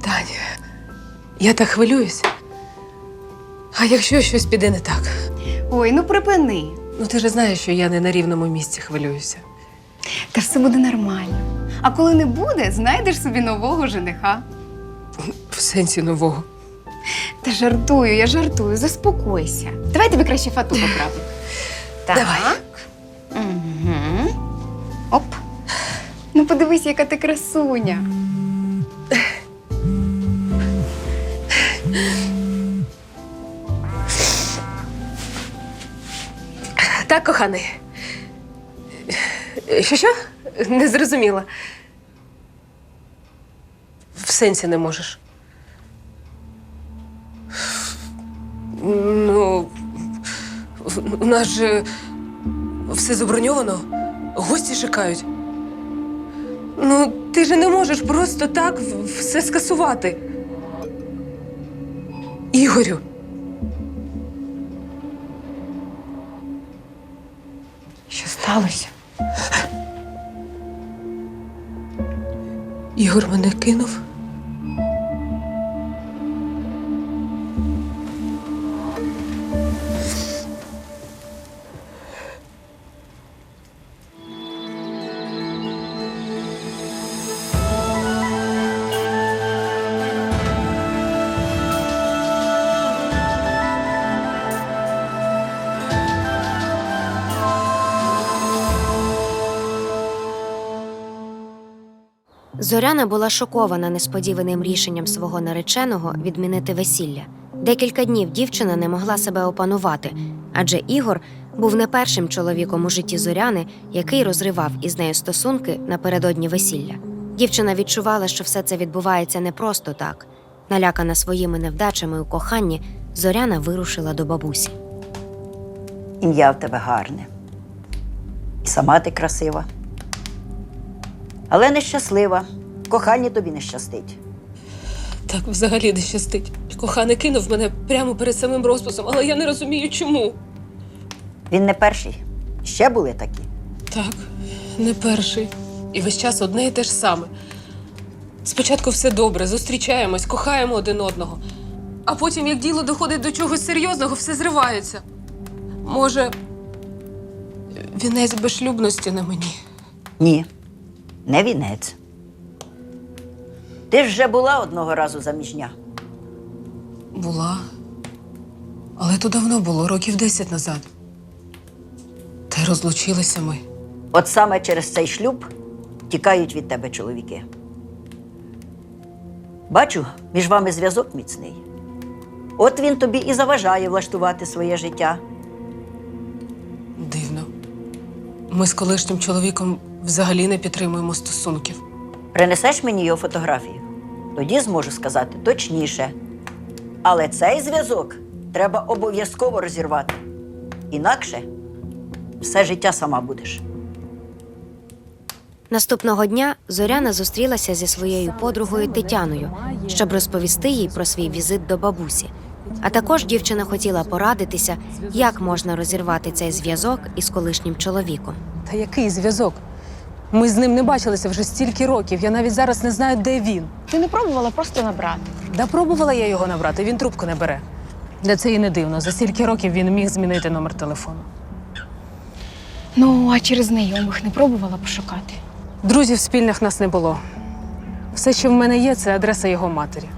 Тань, я так хвилююсь. А якщо щось піде не так? Ой, ну припини. Ну ти ж знаєш, що я не на рівному місці хвилююся. Та все буде нормально. А коли не буде, знайдеш собі нового жениха. В сенсі нового. Та жартую, я жартую, заспокойся. Давай тобі краще фату поправлю. Давай. Угу. Оп. Ну подивись, яка ти красуня. Так, коханий. Що? Не зрозуміла. В сенсі не можеш. Ну, у нас же все заброньовано. Гості чекають. Ну, ти же не можеш просто так все скасувати. Ігорю. Що сталося? Ігор мене кинув. Зоряна була шокована несподіваним рішенням свого нареченого відмінити весілля. Декілька днів дівчина не могла себе опанувати, адже Ігор був не першим чоловіком у житті Зоряни, який розривав із нею стосунки напередодні весілля. Дівчина відчувала, що все це відбувається не просто так. Налякана своїми невдачами у коханні, Зоряна вирушила до бабусі. Ім'я в тебе гарне. І сама ти красива. Але нещаслива. В коханні тобі не щастить. Так взагалі не щастить. Коханий кинув мене прямо перед самим розписом, але я не розумію, чому. Він не перший. Ще були такі. Так, не перший. І весь час одне і те ж саме. Спочатку все добре, зустрічаємось, кохаємо один одного. А потім, як діло доходить до чогось серйозного, все зривається. Може, вінець безшлюбності на мені? Ні, не вінець. Ти ж вже була одного разу заміжня. Була. Але то давно було, років 10 назад. Та й розлучилися ми. От саме через цей шлюб тікають від тебе чоловіки. Бачу, між вами зв'язок міцний. От він тобі і заважає влаштувати своє життя. Дивно. Ми з колишнім чоловіком взагалі не підтримуємо стосунків. Принесеш мені його фотографію? Тоді зможу сказати точніше. Але цей зв'язок треба обов'язково розірвати. Інакше все життя сама будеш. Наступного дня Зоряна зустрілася зі своєю подругою Тетяною, щоб розповісти їй про свій візит до бабусі. А також дівчина хотіла порадитися, як можна розірвати цей зв'язок із колишнім чоловіком. Та який зв'язок? Ми з ним не бачилися вже стільки років. Я навіть зараз не знаю, де він. Ти не пробувала просто набрати? Да пробувала я його набрати, він трубку не бере. Для це і не дивно. За стільки років він міг змінити номер телефону. Ну, а через знайомих не пробувала пошукати? Друзів спільних нас не було. Все, що в мене є, це адреса його матері.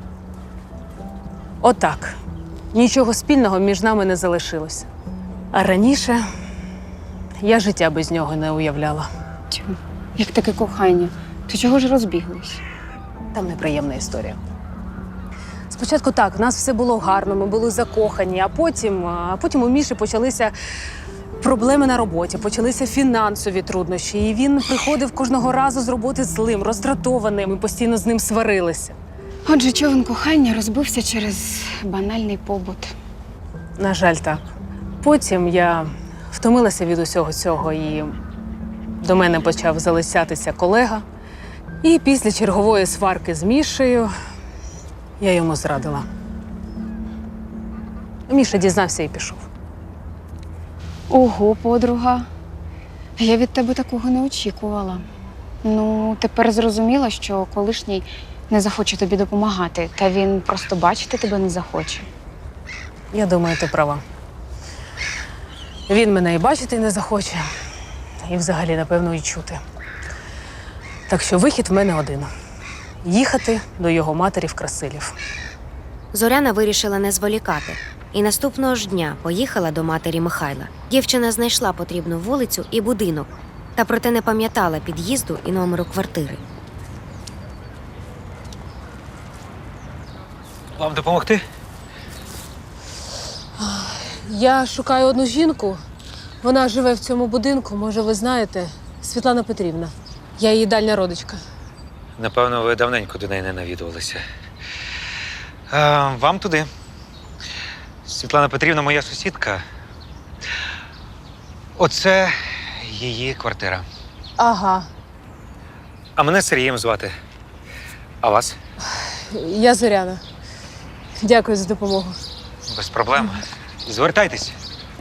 Отак. Нічого спільного між нами не залишилося. А раніше я життя без нього не уявляла. Чому? Як таке кохання? То чого ж розбіглись? Там неприємна історія. Спочатку так, в нас все було гарно, ми були закохані, а потім у Міші почалися проблеми на роботі, почалися фінансові труднощі. І він приходив кожного разу з роботи злим, роздратованим, ми постійно з ним сварилися. Отже, човен кохання розбився через банальний побут. На жаль, так. Потім я втомилася від усього цього, і до мене почав залицятися колега. І після чергової сварки з Мішею я йому зрадила. Міша дізнався і пішов. Ого, подруга. Я від тебе такого не очікувала. Ну, тепер зрозуміла, що колишній не захоче тобі допомагати, та він просто бачити тебе не захоче. Я думаю, ти права. Він мене і бачити не захоче, і взагалі, напевно, і чути. Так що вихід в мене один – їхати до його матері в Красилів. Зоряна вирішила не зволікати і наступного ж дня поїхала до матері Михайла. Дівчина знайшла потрібну вулицю і будинок, та проте не пам'ятала під'їзду і номеру квартири. Вам допомогти? Я шукаю одну жінку. Вона живе в цьому будинку, може, ви знаєте, Світлана Петрівна. Я її дальня родичка. Напевно, ви давненько до неї не навідувалися. Вам туди. Світлана Петрівна моя сусідка. Оце її квартира. Ага, А мене Сергієм звати. А вас? я Зоряна. Дякую за допомогу. Без проблем. Звертайтесь.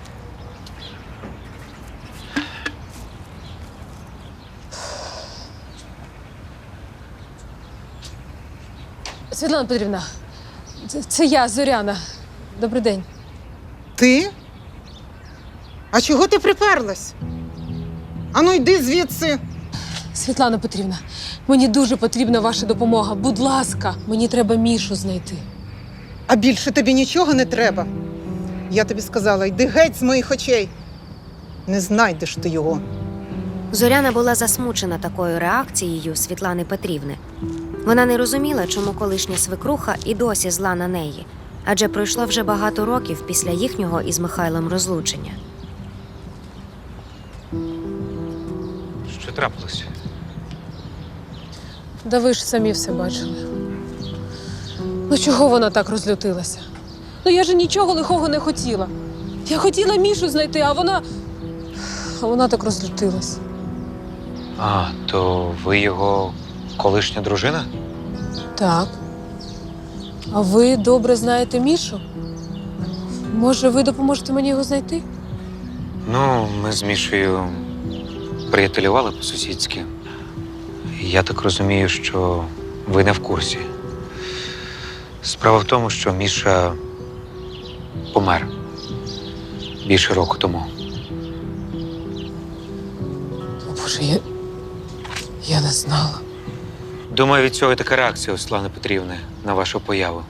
Світлана Петрівна, це я, Зоряна. Добрий день. Ти? А чого ти приперлась? Ану, йди звідси. Світлана Петрівна, мені дуже потрібна ваша допомога. Будь ласка, мені треба Мішу знайти. А більше тобі нічого не треба. Я тобі сказала, йди геть з моїх очей. Не знайдеш ти його. Зоряна була засмучена такою реакцією Світлани Петрівни. Вона не розуміла, чому колишня свекруха і досі зла на неї, адже пройшло вже багато років після їхнього із Михайлом розлучення. Що трапилось? Да ви ж самі все бачили. Ну чого вона так розлютилася? Ну я ж нічого лихого не хотіла. Я хотіла Мішу знайти, а вона так розлютилась. А, то ви його колишня дружина? Так. А ви добре знаєте Мішу? Може, ви допоможете мені його знайти? Ну, ми з Мішею приятелювали по-сусідськи. Я так розумію, що ви не в курсі. Справа в тому, що Міша помер більше року тому. О, Боже, я не знала. Думаю, від цього і така реакція у Світлани Петрівни на вашу появу.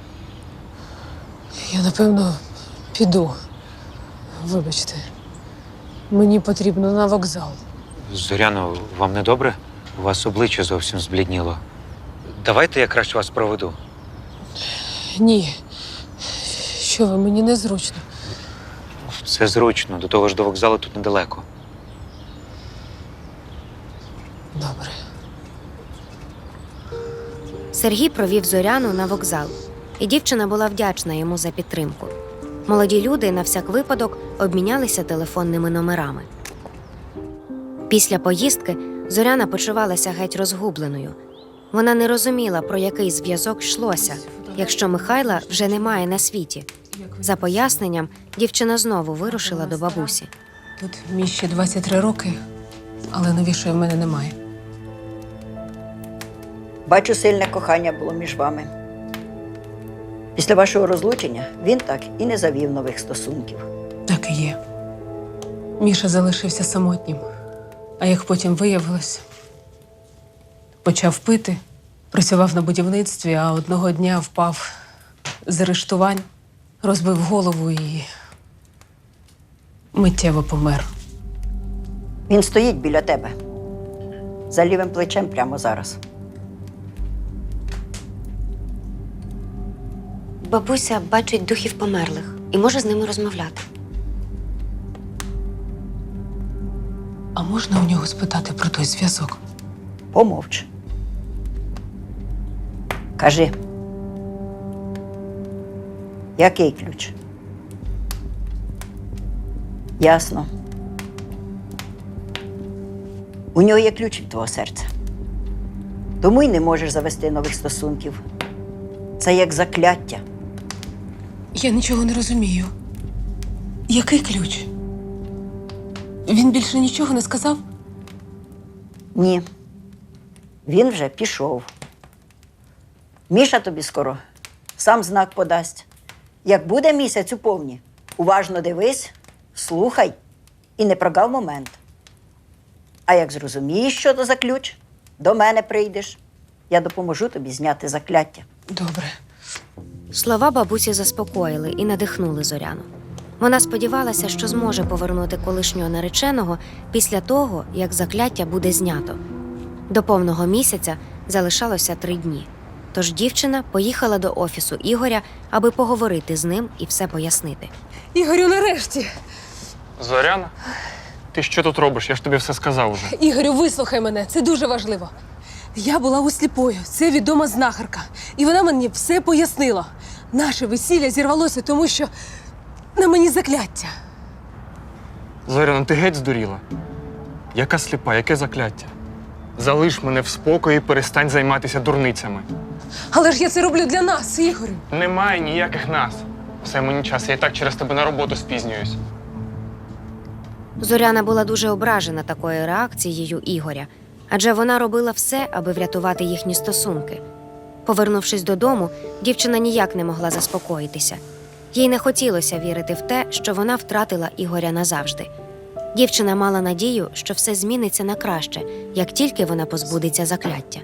Я, напевно, піду. Вибачте. Мені потрібно на вокзал. Зоряно, вам не добре? У вас обличчя зовсім зблідніло. Давайте я краще вас проведу. Ні. Що ви, мені незручно. Все зручно, до того ж до вокзалу тут недалеко. Добре. Сергій провів Зоряну на вокзал, і дівчина була вдячна йому за підтримку. Молоді люди на всяк випадок обмінялися телефонними номерами. Після поїздки Зоряна почувалася геть розгубленою. Вона не розуміла, про який зв'язок йшлося, якщо Михайла вже немає на світі. За поясненням, дівчина знову вирушила до бабусі. Тут Міші 23 роки, але новішої в мене немає. Бачу, сильне кохання було між вами. Після вашого розлучення він так і не завів нових стосунків. Так і є. Міша залишився самотнім. А як потім виявилось, почав пити, працював на будівництві, а одного дня впав з арештувань, розбив голову і миттєво помер. Він стоїть біля тебе, за лівим плечем прямо зараз. Бабуся бачить духів померлих і може з ними розмовляти. А можна у нього спитати про той зв'язок? Помовч. Кажи. Який ключ? Ясно. У нього є ключ від твого серця. Тому й не можеш завести нових стосунків. Це як закляття. Я нічого не розумію. Який ключ? Він більше нічого не сказав? Ні. Він вже пішов. Міша тобі скоро сам знак подасть. Як буде місяць у повні, уважно дивись, слухай і не прогав момент. А як зрозумієш, що то за ключ, до мене прийдеш. Я допоможу тобі зняти закляття. Добре. Слова бабусі заспокоїли і надихнули Зоряну. Вона сподівалася, що зможе повернути колишнього нареченого після того, як закляття буде знято. До повного місяця залишалося 3 дні. Тож дівчина поїхала до офісу Ігоря, аби поговорити з ним і все пояснити. Ігорю, нарешті! Зоряна? Ти що тут робиш? Я ж тобі все сказав уже. Ігорю, вислухай мене, це дуже важливо. Я була у сліпої, це відома знахарка. І вона мені все пояснила. Наше весілля зірвалося, тому що на мені закляття. Зоряна, ти геть здуріла? Яка сліпа, яке закляття? Залиш мене в спокої і перестань займатися дурницями. Але ж я це роблю для нас, Ігорю. Немає ніяких нас. Все, мені час, я і так через тебе на роботу спізнююсь. Зоряна була дуже ображена такою реакцією Ігоря, адже вона робила все, аби врятувати їхні стосунки. Повернувшись додому, дівчина ніяк не могла заспокоїтися. Їй не хотілося вірити в те, що вона втратила Ігоря назавжди. Дівчина мала надію, що все зміниться на краще, як тільки вона позбудеться закляття.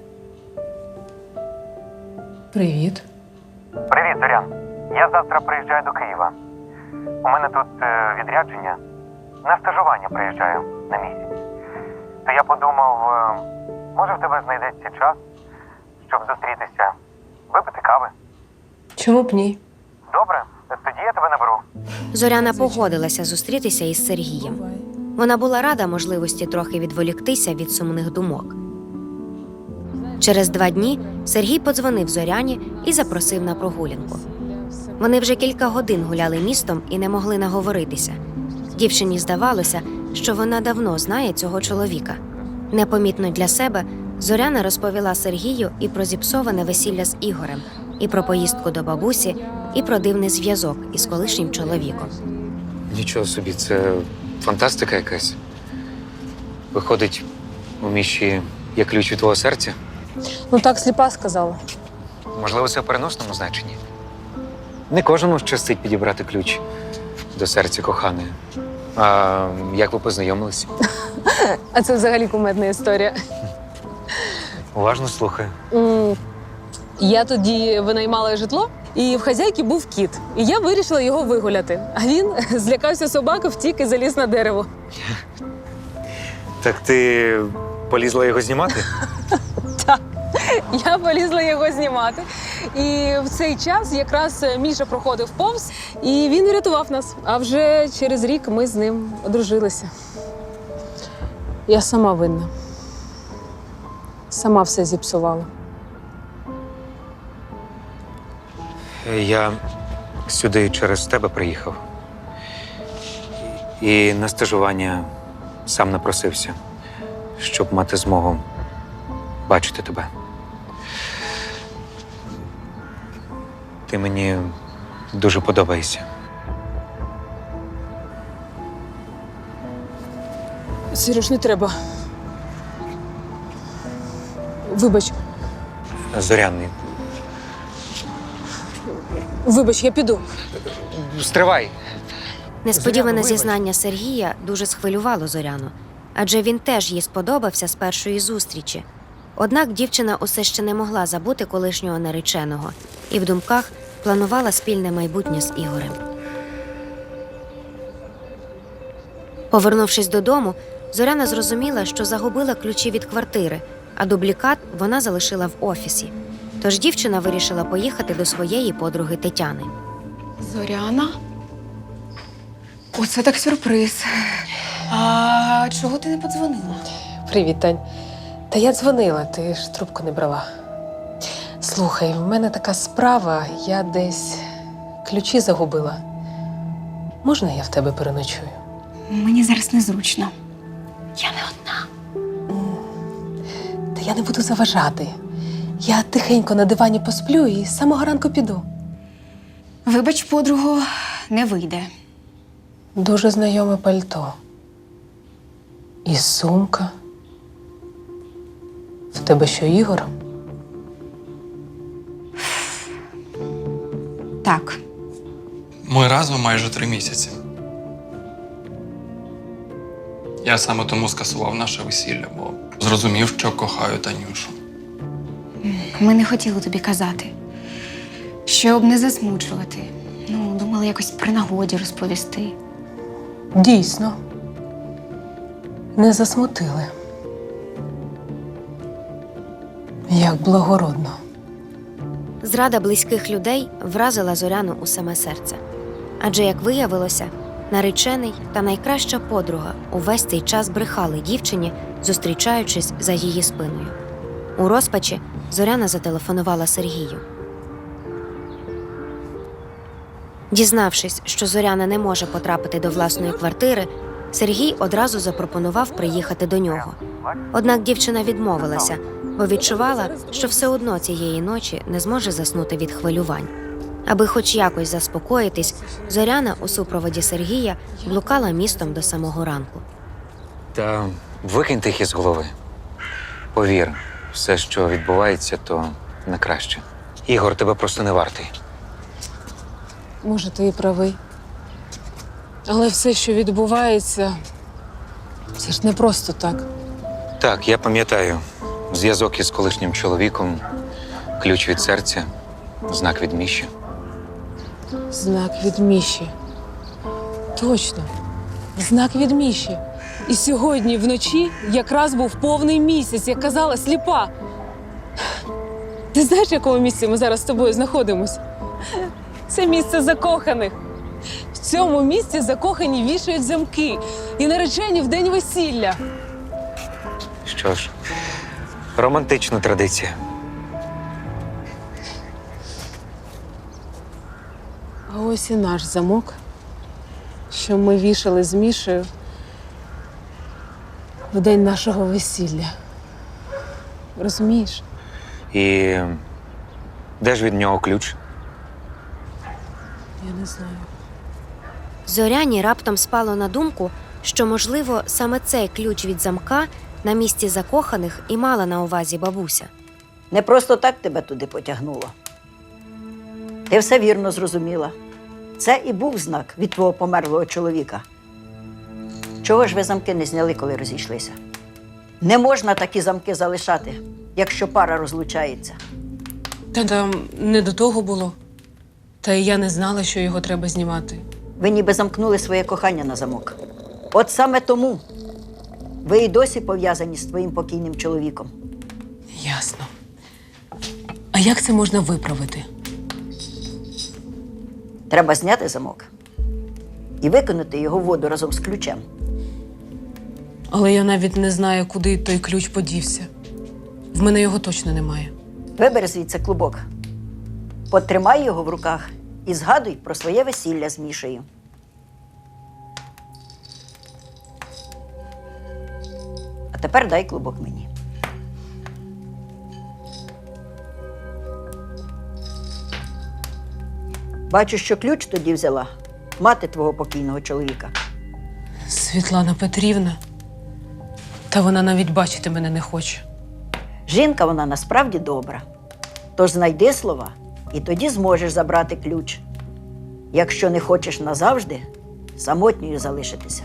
Привіт. Привіт, Зорян. Я завтра приїжджаю до Києва. У мене тут відрядження. На стажування приїжджаю на місяць. То я подумав, може в тебе знайдеться час, щоб зустрітися, випити кави. Чому б ні? Добре, тоді я тебе наберу. Зоряна погодилася зустрітися із Сергієм. Вона була рада можливості трохи відволіктися від сумних думок. Через 2 дні Сергій подзвонив Зоряні і запросив на прогулянку. Вони вже кілька годин гуляли містом і не могли наговоритися. Дівчині здавалося, що вона давно знає цього чоловіка. Непомітно для себе Зоряна розповіла Сергію і про зіпсоване весілля з Ігорем, і про поїздку до бабусі, і про дивний зв'язок із колишнім чоловіком. Нічого собі, це фантастика якась. Виходить, у Міші є ключ від твого серця? Ну так сліпа сказала. Можливо, це в переносному значенні. Не кожному щастить підібрати ключ до серця коханої. А як ви познайомилися? А це взагалі кумедна історія. Уважно слухаю. Я тоді винаймала житло, і в хазяйки був кіт. І я вирішила його вигуляти. А він злякався собаки, втік і заліз на дерево. Так ти полізла його знімати? Я полізла його знімати. І в цей час якраз Міша проходив повз, і він врятував нас. А вже через рік ми з ним одружилися. Я сама винна. Сама все зіпсувала. Я сюди через тебе приїхав. І на стажування сам напросився, щоб мати змогу бачити тебе. Ти мені дуже подобаєшся. Сереж, не треба. Вибач, Зоряний, я піду. стривай! Несподіване Зоряно, вибач. зізнання Сергія дуже схвилювало Зоряну, адже він теж їй сподобався з першої зустрічі. Однак дівчина усе ще не могла забути колишнього нареченого і в думках планувала спільне майбутнє з Ігорем. Повернувшись додому, Зоряна зрозуміла, що загубила ключі від квартири, а дублікат вона залишила в офісі. Тож дівчина вирішила поїхати до своєї подруги Тетяни. Зоряна? Оце так сюрприз. А чого ти не подзвонила? Привіт, Тань. Та я дзвонила, ти ж трубку не брала. Слухай, в мене така справа, я десь ключі загубила. Можна я в тебе переночую? Мені зараз незручно. Я не одна. Та я не буду заважати. Я тихенько на дивані посплю і з самого ранку піду. Вибач, подруго, не вийде. Дуже знайоме пальто. І сумка. В тебе що, Ігор? Так. Ми разом майже 3 місяці. Я саме тому скасував наше весілля, бо зрозумів, що кохаю Танюшу. Ми не хотіли тобі казати, щоб не засмучувати. Ну, думали якось при нагоді розповісти. Дійсно. Не засмутили. Як благородно. Зрада близьких людей вразила Зоряну у саме серце. Адже, як виявилося, наречений та найкраща подруга увесь цей час брехали дівчині, зустрічаючись за її спиною. У розпачі Зоряна зателефонувала Сергію. Дізнавшись, що Зоряна не може потрапити до власної квартири, Сергій одразу запропонував приїхати до нього. Однак дівчина відмовилася, бо відчувала, що все одно цієї ночі не зможе заснути від хвилювань. Аби хоч якось заспокоїтись, Зоряна у супроводі Сергія блукала містом до самого ранку. Та викиньте їх із голови. Повір, все, що відбувається, то не краще. Ігор тебе просто не вартий. Може, ти і правий. Але все, що відбувається, це ж не просто так. Так, я пам'ятаю. Зв'язок із колишнім чоловіком, ключ від серця, знак від Міші. Знак від Міші. Точно. Знак від Міші. І сьогодні вночі якраз був повний місяць, як казала сліпа. Ти знаєш, в якому місці ми зараз з тобою знаходимося? Це місце закоханих. В цьому місці закохані вішають замки і наречені в день весілля. Що ж, романтична традиція. А ось і наш замок, що ми вішали з Мішею в день нашого весілля. Розумієш? І де ж від нього ключ? Я не знаю. Зоряні раптом спало на думку, що, можливо, саме цей ключ від замка на місці закоханих і мала на увазі бабуся. Не просто так тебе туди потягнуло. Ти все вірно зрозуміла. Це і був знак від твого померлого чоловіка. Чого ж ви замки не зняли, коли розійшлися? Не можна такі замки залишати, якщо пара розлучається. Та там не до того було. Та й я не знала, що його треба знімати. Ви ніби замкнули своє кохання на замок. От саме тому ви і досі пов'язані з твоїм покійним чоловіком. Ясно. А як це можна виправити? Треба зняти замок і викинути його в воду разом з ключем. Але я навіть не знаю, куди той ключ подівся. В мене його точно немає. Вибери звідси клубок, потримай його в руках і згадуй про своє весілля з Мішею. А тепер дай клубок мені. Бачу, що ключ тоді взяла мати твого покійного чоловіка. Світлана Петрівна. Та вона навіть бачити мене не хоче. Жінка вона насправді добра. Тож знайди слова, і тоді зможеш забрати ключ. Якщо не хочеш назавжди, самотньою залишитися.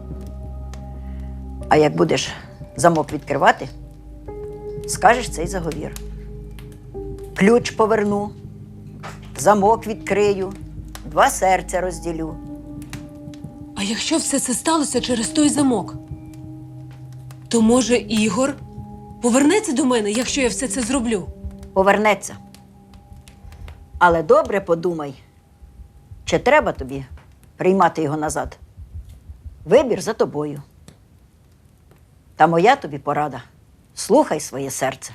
А як будеш замок відкривати, скажеш цей заговір. Ключ поверну, замок відкрию, 2 серця розділю. А якщо все це сталося через той замок, то, може, Ігор повернеться до мене, якщо я все це зроблю? Повернеться. Але добре подумай, чи треба тобі приймати його назад. Вибір за тобою. Та моя тобі порада. Слухай своє серце.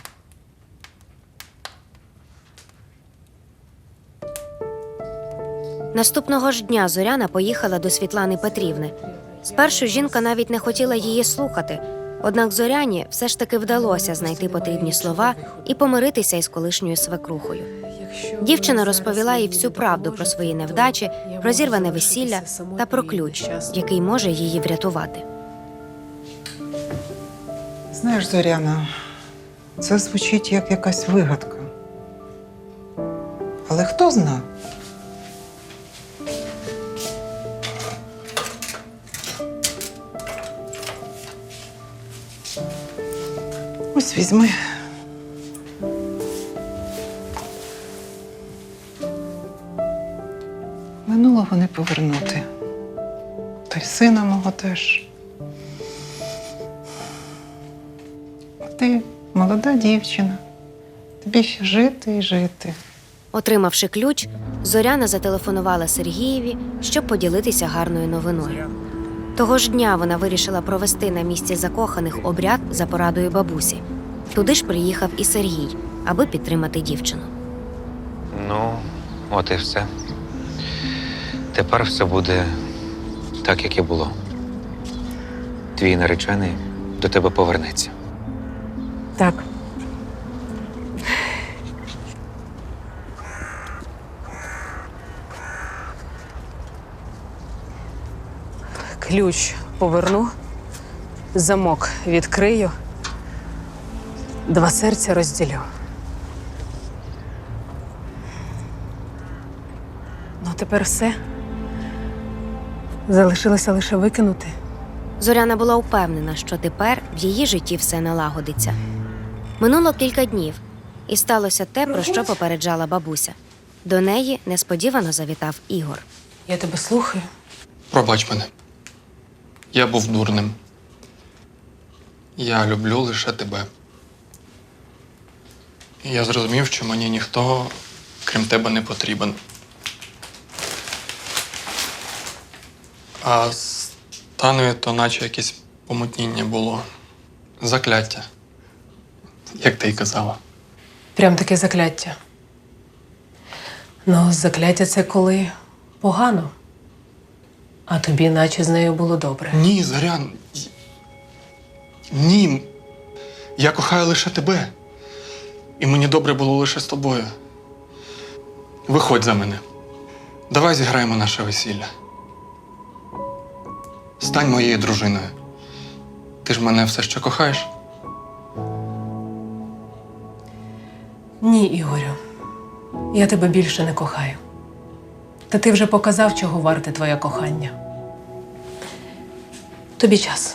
Наступного ж дня Зоряна поїхала до Світлани Петрівни. Спершу жінка навіть не хотіла її слухати, однак Зоряні все ж таки вдалося знайти потрібні слова і помиритися із колишньою свекрухою. Дівчина розповіла їй всю правду про свої невдачі, про зірване весілля та про ключ, який може її врятувати. Знаєш, Зоряна, це звучить як якась вигадка. Але хто зна, Ось візьми. Минулого не повернути. Та й сина мого теж. Ти молода дівчина. Тобі ще жити і жити. Отримавши ключ, Зоряна зателефонувала Сергієві, щоб поділитися гарною новиною. Того ж дня вона вирішила провести на місці закоханих обряд за порадою бабусі. Туди ж приїхав і Сергій, аби підтримати дівчину. Ну, от і все. Тепер все буде так, як і було. Твій наречений до тебе повернеться. Так. Ключ поверну, замок відкрию, два серця розділю. Ну, тепер все. Залишилося лише викинути. Зоряна була впевнена, що тепер в її житті все налагодиться. Минуло кілька днів, і сталося те, про що попереджала бабуся. До неї несподівано завітав Ігор. Я тебе слухаю. Пробач мене. Я був дурним. Я люблю лише тебе. І я зрозумів, що мені ніхто, крім тебе, не потрібен. А з Таною то наче якесь помутніння було. Закляття. Як ти й казала. Прям таке закляття. Ну, закляття це коли погано. А тобі наче з нею було добре. Ні, Зорян. Ні. Я кохаю лише тебе. І мені добре було лише з тобою. Виходь за мене. Давай зіграємо наше весілля. Стань моєю дружиною. Ти ж мене все ще кохаєш? Ні, Ігорю. Я тебе більше не кохаю. Та ти вже показав, чого варте твоє кохання. Тобі час.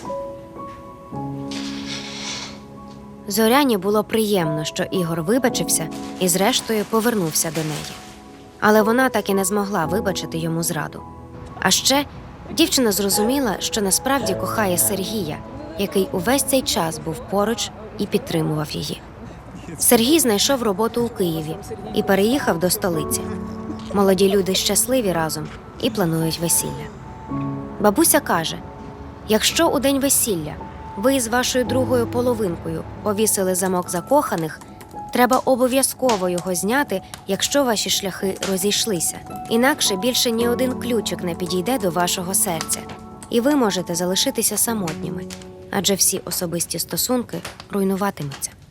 Зоряні було приємно, що Ігор вибачився і зрештою повернувся до неї. Але вона так і не змогла вибачити йому зраду. А ще дівчина зрозуміла, що насправді кохає Сергія, який увесь цей час був поруч і підтримував її. Сергій знайшов роботу у Києві і переїхав до столиці. Молоді люди щасливі разом і планують весілля. Бабуся каже, якщо у день весілля ви з вашою другою половинкою повісили замок закоханих, треба обов'язково його зняти, якщо ваші шляхи розійшлися. Інакше більше ні один ключик не підійде до вашого серця, і ви можете залишитися самотніми, адже всі особисті стосунки руйнуватимуться.